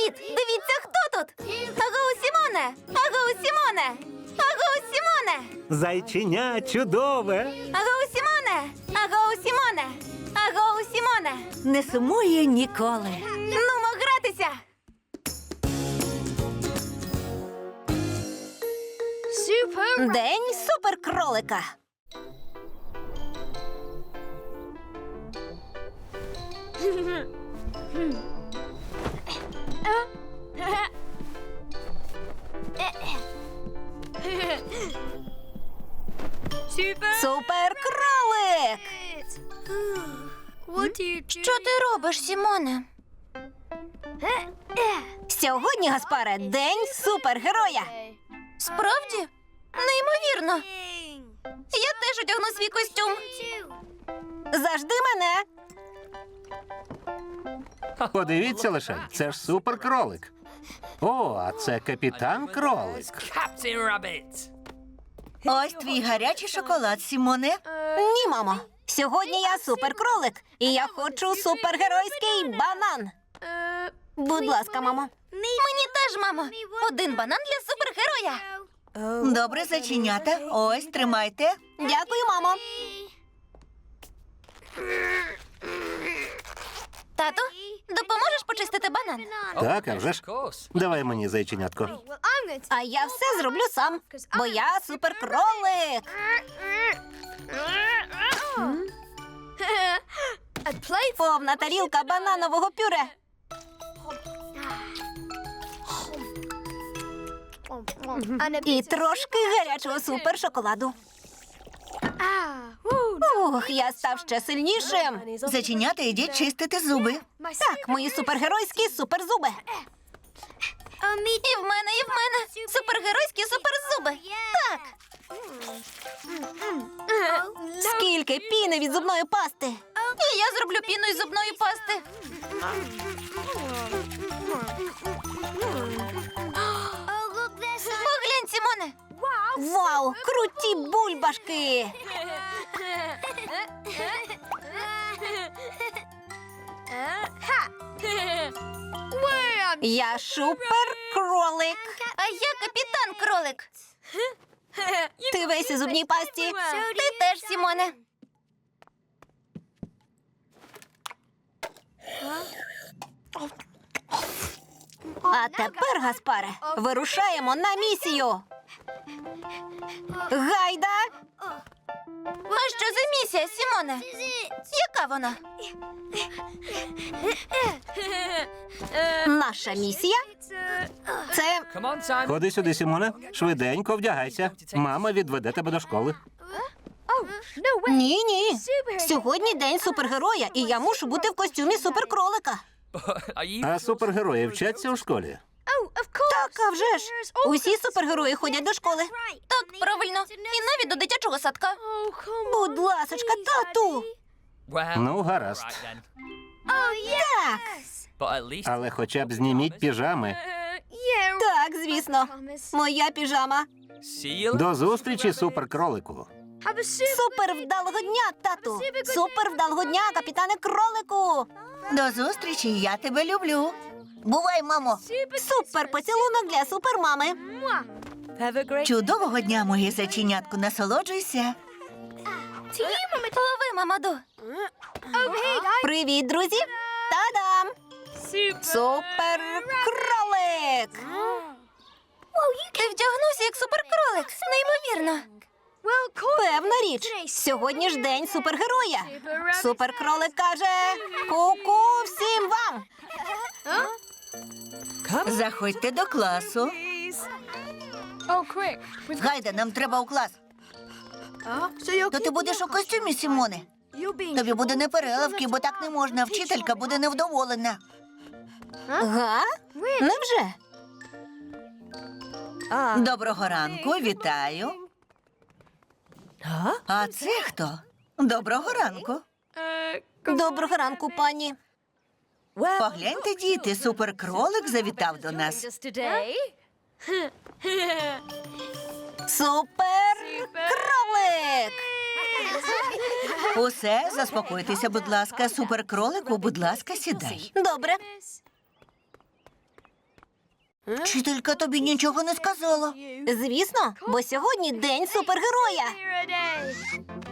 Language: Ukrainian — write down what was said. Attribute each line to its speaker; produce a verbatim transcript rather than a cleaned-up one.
Speaker 1: Привіт! Дивіться, хто тут! Агоу Сімоне! Агоу Сімоне! Агоу Сімоне!
Speaker 2: Зайченя чудове.
Speaker 1: Агоу Сімоне! Агоу Сімоне! Агоу Сімоне!
Speaker 3: Не сумує ніколи.
Speaker 1: Нумо гратися!
Speaker 3: День суперкролика. Суперкролик.
Speaker 1: Що ти робиш, Сімоне?
Speaker 3: Сьогодні, Гаспаре, день супергероя.
Speaker 1: Справді? Неймовірно! Я теж одягну свій костюм.
Speaker 3: Завжди мене.
Speaker 2: Подивіться лише, це ж суперкролик. О, а це капітан кролик.
Speaker 4: Captain Rabbit.
Speaker 5: Ось твій гарячий шоколад, Сімоне.
Speaker 3: Ні, мамо. Сьогодні я суперкролик, і я хочу супергеройський банан. Будь ласка, мамо.
Speaker 1: Мені теж, мамо. Один банан для супергероя.
Speaker 5: Добре, зайченята. Ось, тримайте.
Speaker 3: Дякую, мамо.
Speaker 1: Тату, допоможеш почистити банан?
Speaker 2: Так, а вже ж.
Speaker 4: Of course.
Speaker 2: Давай мені зайченятко.
Speaker 3: А я все зроблю сам, бо я суперкролик. Повна тарілка бананового пюре. І трошки гарячого супершоколаду. Ух, я став ще сильнішим.
Speaker 5: Зайченята, йдіть чистити зуби.
Speaker 3: Так, мої супергеройські суперзуби.
Speaker 1: І в мене, і в мене. Супергеройські суперзуби. Так.
Speaker 3: Скільки піни від зубної пасти.
Speaker 1: І я зроблю піну із зубної пасти. Поглянь, Сімоне.
Speaker 3: Вау, круті бульбашки. Я суперкролик.
Speaker 1: А я капітан кролик.
Speaker 3: Ти весь у зубній пасті.
Speaker 1: Ти теж, Сімоне.
Speaker 3: А тепер, Гаспаре, вирушаємо на місію. Гайда!
Speaker 1: А що за місія, Сімоне? Яка вона?
Speaker 3: Наша місія – це
Speaker 4: Come on, Simon.
Speaker 2: Ходи сюди, Сімоне. Швиденько вдягайся. Мама відведе тебе до школи.
Speaker 3: ні-ні. Сьогодні день супергероя, і я мушу бути в костюмі суперкролика.
Speaker 4: Are you?
Speaker 2: А супергерої вчаться у школі.
Speaker 3: Так, а вже ж. Усі супергерої ходять до школи.
Speaker 1: Так, правильно. І навіть до дитячого садка.
Speaker 3: Будь ласочка, тату.
Speaker 4: Well,
Speaker 2: Ну, гаразд.
Speaker 4: right then.
Speaker 3: Так,
Speaker 4: But at least
Speaker 2: Але хоча б зніміть піжами.
Speaker 3: так, звісно. Моя піжама.
Speaker 4: see you.
Speaker 2: До зустрічі, суперкролику.
Speaker 3: Супер вдалого дня, тату. Супер вдалого дня, капітане кролику.
Speaker 5: До зустрічі, я тебе люблю. Бувай, мамо.
Speaker 3: Супер поцілунок для супермами.
Speaker 5: Чудового дня, моє зайченятко, насолоджуйся.
Speaker 1: Лови, Мамаду.
Speaker 3: Привіт, друзі. Та-дам! Суперкролик.
Speaker 1: Ти вдягнувся як суперкролик. Неймовірно.
Speaker 3: Певна річ. Сьогодні ж день супергероя. Суперкролик каже: ку-ку всім вам.
Speaker 5: Заходьте до класу. Гайда, нам треба у клас. То ти будеш у костюмі, Сімоне? Тобі буде непереливки, бо так не можна. Вчителька буде невдоволена.
Speaker 3: Га? Невже?
Speaker 5: Доброго ранку, вітаю. А це хто? Доброго ранку.
Speaker 3: Доброго ранку, пані.
Speaker 5: Погляньте, діти, суперкролик завітав до нас.
Speaker 3: Суперкролик.
Speaker 5: Усе, заспокойтеся, будь ласка. Суперкролику, будь ласка, сідай.
Speaker 3: Добре.
Speaker 5: Вчителька тобі нічого не сказала.
Speaker 3: Звісно, бо сьогодні день супергероя.